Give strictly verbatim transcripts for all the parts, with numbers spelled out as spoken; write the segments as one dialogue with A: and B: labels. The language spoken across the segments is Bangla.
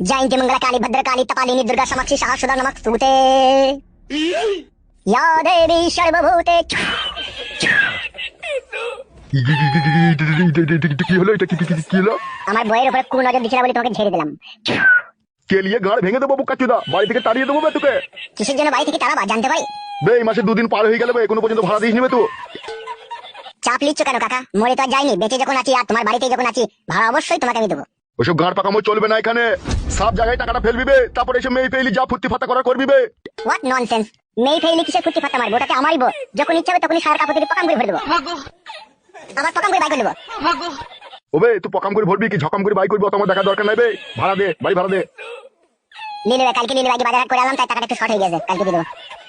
A: जयंती मंगला काली भद्र काली कपालिनी दुर्गा समाक्षी सहस्रदा नमस्तुते या देवी सर्वभूते।
B: কি হলো এটা? কি কি কি হলো?
A: আমার বইয়ের উপরে কোন নজর দিছিল বলে তোমাকে ঝেড়ে দিলাম।
B: কেলিয়ে গাড় ভেঙে দেবো বুকাচুদা, বাড়ি থেকে তাড়িয়ে দেবো বে তোকে।
A: কিসের জন্য বাড়ি থেকে তাড়াবা জানতে পারি?
B: বে এই মাসে দুদিন পার হয়ে গেল বে, এখনো পর্যন্ত ভাড়া দিস নিবে তো?
A: চাপ লিচ্ছ কেন কাকা? মরে তো আর যাইনি, বেঁচে যখন আছি আর তোমার বাড়িতে যখন আছি ভাড়া অবশ্যই তোমাকে আমি দেবো।
B: ওসব গাঁড় পাকামো চলবে না এখানে। সব জায়গায় টাকাটা ফেলবি বে, তারপরে এসে মেয়ে ফেলি যা ফুর্তি ফাতা করা করবি বে।
A: What nonsense! মেয়ে ফেইলি কিসের ফুটি ফাটা মারবো? ওটাকে আমারই বউ, যখন ইচ্ছা হবে তখনই সার কাপড় দিয়ে পকাম করে ভরে দেবো। আবার পকাম করে বাই করে দেবো।
B: ওবে তুই পকাম করে ভরবি কি ঝকাম করে বাই করবি? অত আমার দেখা দরকার নাই বে। ভাড়া দে, বাড়ি ভাড়া দে।
A: নিয়ে নেবে কালকে, নিয়ে নেবে। আজকে বাজার হাট করে আনলাম তাই টাকাটা একটু শর্ট হয়ে গেছে, কালকে দিয়ে দেবো।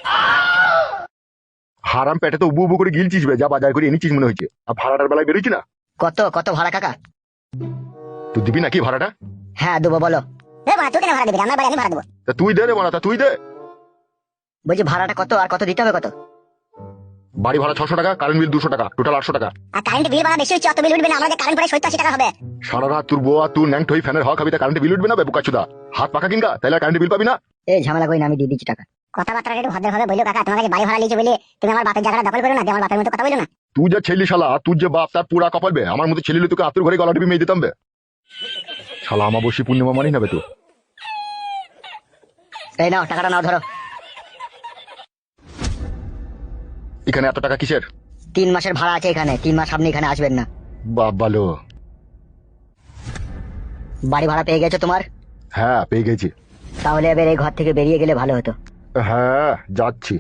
B: হারাম পেটে তো উবু উবু করে গিলছিস বে, যা বাজার করে এনেছিস মনে হচ্ছে। আর ভাড়াটার বেলায় বেরোচ্ছি না।
C: কত কত ভাড়া কাকা?
B: তুই দিবি নাকি ভাড়াটা?
C: হ্যাঁ দেবো, বলো।
A: এ বাড়া, তুই কেন ভাড়া দিবি? আমার বাড়ি আমি ভাড়া দেবো।
B: তা তুই দে রে বাড়া, তা তুই দে।
C: বলছি ভাড়াটা কত আর কত দিতে হবে? কত?
B: বাড়ি ভাড়া ছশো টাকা, কারেন্ট বিল দুশো টাকা, টোটাল আটশো টাকা।
A: আর কারেন্ট বিল ভাড়া বেশি হচ্ছে, অত বিল উঠবে না। আমাদের কারেন্ট প্রায় সত্তর আশি টাকা হবে।
B: সারা রাত তোর বউ আর তুই ন্যাংট হয়ে ফ্যানের হওয়া খাবি, তা কারেন্ট বিল উঠবে না বে বুকাচুদা? হাত পাকা কিনকা, তাহলে কারেন্ট বিল পাবি না।
C: এই ঝামেলা করি না, আমি দিয়ে দিচ্ছি টাকা।
A: কথাবার্তা একটু ভদ্রভাবে বলো কাকা। তোমার কাছে বাড়ি ভাড়া লিখে বলে তুমি আমার বাপের জায়গাটা দখল করো না, দিয়ে আমার বাপের মতো কথা বলো না।
B: তুই যে ছেলি শালা, তুই যে বাপ তার পুরা কপাল বে। আমার মতো ছেলে তোকে আতুর ঘরে গলা টিপে মেয়ে দিতাম বে। শালা আমাবস্যী পূর্ণিমা মানি নেবে তো।
C: এই নাও টাকাটা, নাও ধরো।
B: এখানে এত টাকা কিসের?
C: তিন মাসের ভাড়া আছে এখানে, তিন মাস আপনি এখানে আসবেন না।
B: বাপ ভালো।
C: বাড়ি ভাড়া পেয়ে গেছো তোমার?
B: হ্যাঁ পেয়ে গেছি।
C: তাহলে এবার এই ঘর থেকে বেরিয়ে গেলে ভালো হতো।
B: হ্যাঁ যাচ্ছি।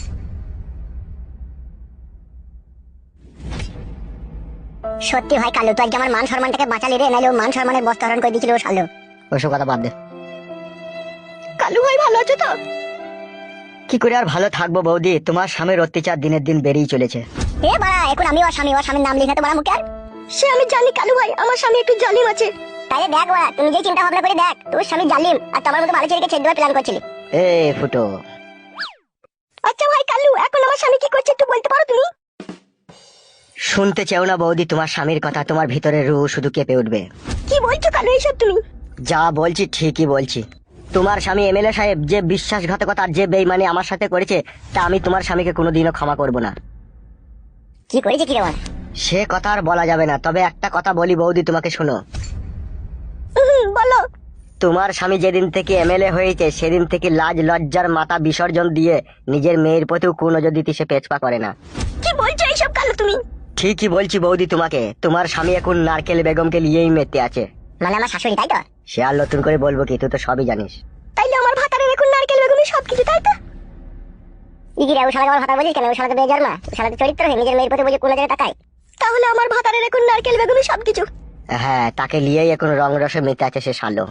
A: সত্যি ভাই কালু, তুই আজকে আমার মান সম্মানটাকে বাঁচালি রে, নাইলে ও মান সম্মানের বস্তা হরণ করে দিয়েছিল ও শালো।
C: ওসব কথা বাদ দে।
A: কালু ভাই ভালো আছে তো?
C: কি করে আর ভালো থাকবো বৌদি, তোমার স্বামীর অত্যাচার দিনের দিন বেড়েই চলেছে।
A: এ বাড়া, এখন আমি ওর স্বামী, ওর স্বামীর নাম লিখে তো বাড়া মুখে আর। সে আমি জানি কালু ভাই, আমার স্বামী একটু জালিম আছে। তাইলে দেখ বাড়া, তুমি যে চিন্তা ভাবনা করে দেখ, তোর স্বামী জালিম আর তোমার মতো ভালো ছেলেকে ছেড়ে দেওয়ার প্ল্যান করছিলি।
C: এ ফুটো।
A: আচ্ছা ভাই কালু, এখন আমার স্বামী কি করছে একটু বলতে পারো তুমি?
C: শুনতে চাও না বৌদি তোমার স্বামীর কথা? তোমার ভিতরে রুহ শুধু কেঁপে উঠবে।
A: কি বলছো কালু এইসব তুমি?
C: যা বলছি ঠিকই বলছি। তোমার স্বামী এমএলএ সাহেব যে বিশ্বাসঘাতকতা আর যে বেইমানি আমার সাথে করেছে, তা আমি তোমার স্বামীকে কোনোদিনও ক্ষমা করব না।
A: কি করেছে কি রে?
C: সে কথা আর বলা যাবে না, তবে একটা কথা বলি বৌদি, তোমাকে শোনো।
A: বলো।
C: তোমার স্বামী যেদিন থেকে এমএলএ হয়েছে সেদিন থেকে লাজ লজ্জার মাথা বিসর্জন দিয়ে নিজের মেয়ের প্রতিও কুনজর দিতে সে পেছপা করে না।
A: কি বলছো এইসব কালু তুমি?
C: ঠিকই বলছি বৌদি তোমাকে। তোমার স্বামী এখন নারকেল বেগমকে নিয়েই মেতে আছে।
A: মানে আমার শাশুড়ি, তাই তো?
C: সে আর নতুন করে বলবো কি, তুই তো সবই জানিস।
A: তাইলে আমার ভাতারের এখন নারকেল বেগমই সবকিছু, তাই তো? ইগিরে, ও শালাকে আমার ভাতার বলিস কেন? ও শালাকে বেজার মা, ও শালাকে চরিত্র হয়ে নিজের মেয়ের প্রতি বলে কোন নজরে তাকায়। তাহলে আমার ভাতারের এখন নারকেল বেগমই সবকিছু।
C: হ্যাঁ, তাকে নিয়েই এখন রং রসে মেতে আছে সে শালো।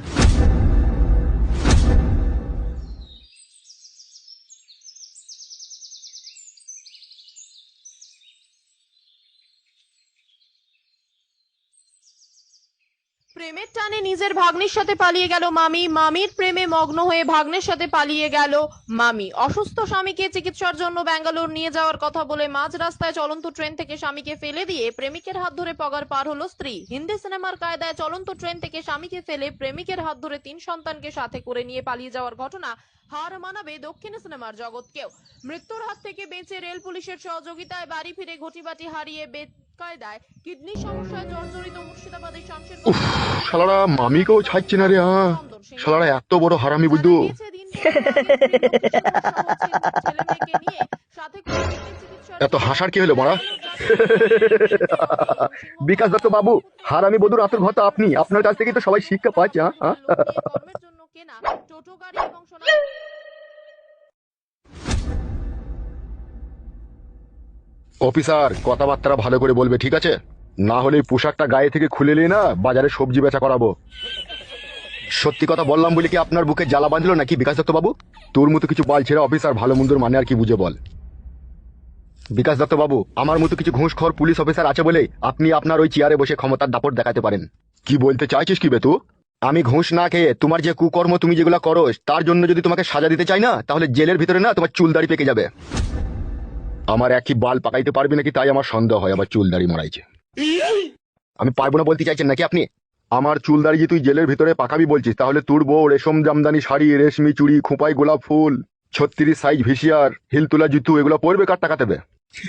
D: প্রেমের টানে নিজের ভাগ্নের সাথে পালিয়ে গেল মামি, মামির প্রেমে মগ্ন হয়ে ভাগ্নের সাথে পালিয়ে গেল মামি। অসুস্থ স্বামীকে চিকিৎসার জন্য ব্যাঙ্গালোর নিয়ে যাওয়ার কথা বলে মাঝ রাস্তায় চলন্ত ট্রেন থেকে স্বামীকে ফেলে দিয়ে প্রেমিকের হাত ধরে পগার পার হলো স্ত্রী। হিন্দি সিনেমার কায়দায় চলন্ত ট্রেন থেকে স্বামীকে ফেলে প্রেমিকের হাত ধরে তিন সন্তানকে সাথে করে নিয়ে পালিয়ে যাওয়ার ঘটনা হার মানাবে দক্ষিণ সিনেমার জগৎকেও। মৃত্যুর হাত থেকে বেঁচে রেল পুলিশের সহযোগিতায় বাড়ি ফিরে ঘটিবাটি হারিয়ে কায়দায় কিডনি সমস্যায় জর্জরিত মুর্শিদাবাদের শামশের।
B: শালারা মামিকেও ছাড়ছে না রে। হ্যাঁ শালারা এত বড় হারামি বুদ্ধু। এত হাসার কি হলো মারা? বিকাশ দত্ত বাবু, হারামি বধুর আতুর ঘর তো আপনি। আপনার কাছ থেকে তো সবাই শিক্ষা পাচ্ছে। অফিসার কথাবার্তা ভালো করে বলবে, ঠিক আছে? না হলে পোশাকটা গায়ে থেকে খুলে নিয়ে না বাজারে সবজি বেচা করাবো। সত্যি কথা বললাম বলে কি আপনার বুকে জ্বালা বাঁধলো নাকি বিকাশ দত্ত বাবু? তোর মতো কিছু বাল ছেড়ে অফিসার ভালো মন্দর মানে আর কি বুঝে বল। বিকাশ দত্ত বাবু, আমার মতো কিছু ঘুষখোর পুলিশ অফিসার আছে বলে আপনি আপনার ওই চেয়ারে বসে ক্ষমতার দাপট দেখাতে পারেন। কি বলতে চাইছিস কি বে তুই? আমি ঘুষ না খেয়ে তোমার যে কুকর্ম তুমি যেগুলো করো তার জন্য যদি তোমাকে সাজা দিতে চাই না, তাহলে জেলের ভিতরে না তোমার চুল দাড়ি পেকে যাবে। আমার একই বাল পাকাইতে পারবি নাকি তাই আমার সন্দেহ হয় আবার চুল দাড়ি মরাইছে। আমি পারবো না বলতে চাইছেন নাকি আপনি? আমার চুল দাঁড়িয়ে তুই জেলের ভিতরে পাকাবি বলছিস, তাহলে তোর বউ রেশম জামদানি শাড়ি, রেশমি চুড়ি, খোঁপাই গোলাপ ফুল, ছত্রিশ সাইজ ভিসিয়ার, হিল তোলা জুতু এগুলো পরবে কার টাকা দেবে?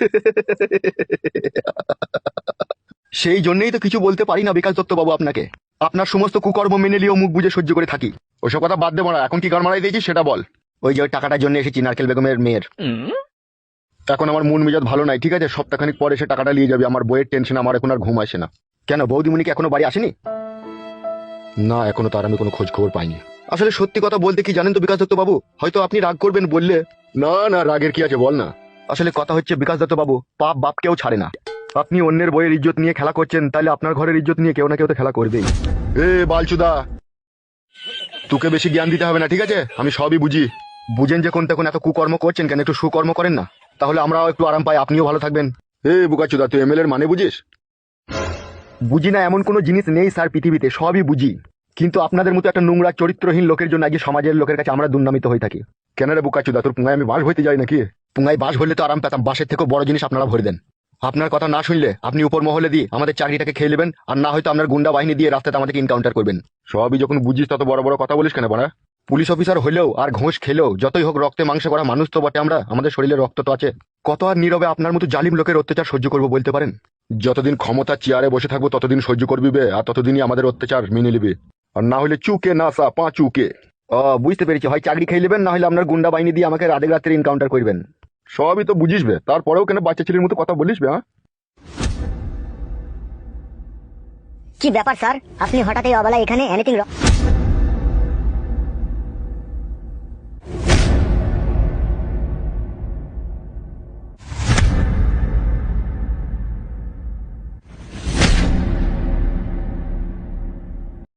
B: সেই জন্যই তো কিছু বলতে পারি না বিকাশ দত্ত বাবু আপনাকে। আপনার সমস্ত কুকর্ম মেনে নিয়েও মুখ বুঝে সহ্য করে থাকি। ওসব কথা বাদ দেবো না, এখন কি গান মারাই দিয়েছি সেটা বল। ওই যে ওই টাকাটার জন্য এসেছি নারকেল বেগমের মেয়ের। এখন আমার মন মেজাজ ভালো নাই, ঠিক আছে? সপ্তাহখানিক পরে সে টাকাটা নিয়ে যাবে। আমার বইয়ের টেনশন, আমার এখন আর ঘুম আসে না। কেন বৌদিমণি কি এখনো বাড়ি আসেনি? না, এখনো তার আমি কোনো খোঁজ খবর পাইনি। আসলে সত্যি কথা বলতে কি জানেন তো বিকাশ দত্ত বাবু, হয়তো আপনি রাগ করবেন বললে। না না, রাগের কি আছে বল না। আসলে কথা হচ্ছে বিকাশ দত্ত বাবু, পাপ বাপ কেউ ছাড়ে না। আপনি অন্যের বইয়ের ইজ্জত নিয়ে খেলা করছেন, তাহলে আপনার ঘরের ইজ্জত নিয়ে কেউ না কেউ তো খেলা করবেই। এ বালচুদা, তোকে বেশি জ্ঞান দিতে হবে না, ঠিক আছে? আমি সবই বুঝি। বুঝেন যে কোন তখন এত কুকর্ম করছেন কেন, একটু সুকর্ম করেন না, তাহলে আমরাও একটু আরাম পাই, আপনিও ভালো থাকবেন। এ বুকাচুদা, তুই এমএলএর মানে বুঝিস? বুঝি না এমন কোনো জিনিস নেই স্যার পৃথিবীতে, সবই বুঝি। কিন্তু আপনাদের মতো একটা নোংরা চরিত্রহীন লোকের জন্য আজকে সমাজের লোকের কাছে আমরা দুর্নামিত হয়ে থাকি। কেন রে বুকাচুদা, তোর পুঙ্গায় আমি বাস হইতে যাই নাকি? পুঙ্গায় বাস হলে তো আরাম পেতাম, বাসের থেকেও বড় জিনিস আপনারা ভরে দেন। আপনার কথা না শুনলে আপনি উপর মহলে দিয়ে আমাদের চাকরিটাকে খেয়ে নেবেন, আর না হয়তো আপনার গুন্ডা বাহিনী দিয়ে রাস্তাতে আমাদেরকে এনকাউন্টার করবেন। সবই যখন বুঝিস তত বড় বড় কথা বলিস কেন বড়া? পুলিশ অফিসার হলেও আর ঘোষ খেলেও যতই হোক রক্তে মাংসে করা মানুষ তো বটে আমরা, আমাদের শরীরে রক্ত তো আছে। কত আর নীরবে আপনার মতো জালিম লোকের অত্যাচার সহ্য করবো বলতে পারেন? যতদিন ক্ষমতা চেয়ারে বসে থাকবো ততদিন সহ্য করবি বে, আর ততদিনই আমাদের অত্যাচার মেনে নিবি। আর না হলে চুকে না সা পা চুকে। ও বুঝতে পেরেছি, হয় চাকরি খেয়ে নেবেন, না হলে আপনার গুন্ডা বাহিনী দিয়ে আমাকে রাতে রাত্রে এনকাউন্টার করবেন। সবই তো বুঝিস বে, তারপরেও কেন বাচ্চা ছেলের মতো কথা বলিস বে? হ্যাঁ,
A: কি ব্যাপার স্যার, আপনি হঠাৎ এই অবেলায় এখানে? এনিথিং